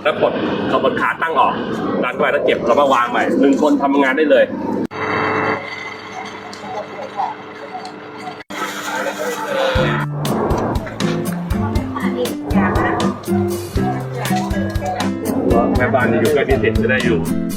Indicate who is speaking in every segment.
Speaker 1: แล้วกดขาตั้งออกดันเข้าไปแล้วเก็บแล้วมาวางใหม่1 คนทำงานได้เลยแม่บ้านอยู่ใกล้พิเศษจะได้อยู่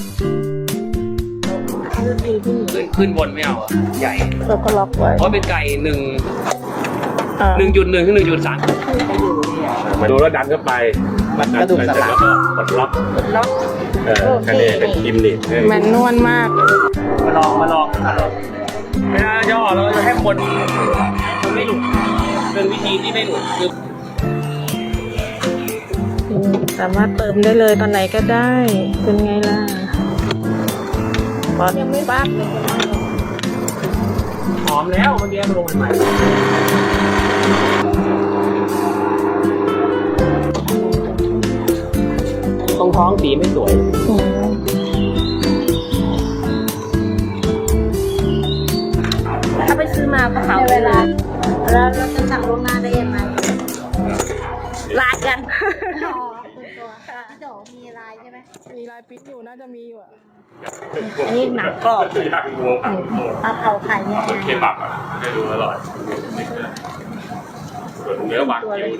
Speaker 1: ขึ้นบนไม่เอาใหญ่
Speaker 2: เราก็ล็อกไว้
Speaker 1: เพราะเป็นไก่1.1 ถึง 1.3มาดูแล้วดันเข้าไปกระดูกสันหลังแล้วก็กดล็อกแค่นี้เป็นกิมนิ
Speaker 2: แมนนวลมาก
Speaker 1: มาลองไม่น่าย่อเราจะให้คนไม่หลุดเป็นวิธีที่ไม่หลุดคือ
Speaker 2: สามารถเติมได้เลยตอนไหนก็ได้เป็นไงล่ะยังไม่ปั๊บเลย
Speaker 1: หอมแล้วเมื่อกี้ลงใหม่ตรงท้องสีไม่สวย
Speaker 2: ถ้าไปซื้อมาก็เขาเวลาแล้วเราจะสั่งล่วงหน้าได้ยังไงลายกัน
Speaker 3: ตัวพี่โดมีลายใช่ไหม
Speaker 2: มีลายปิ๊กอยู่น่าจะมีอยู่อ่ะ
Speaker 3: อันนี้หนังกรอบ
Speaker 1: ย่างงู
Speaker 3: ปลาเผาไข่เนี่ย
Speaker 1: เคบับอ่ะให้ดูอร่อยส่วนเนื้อบาง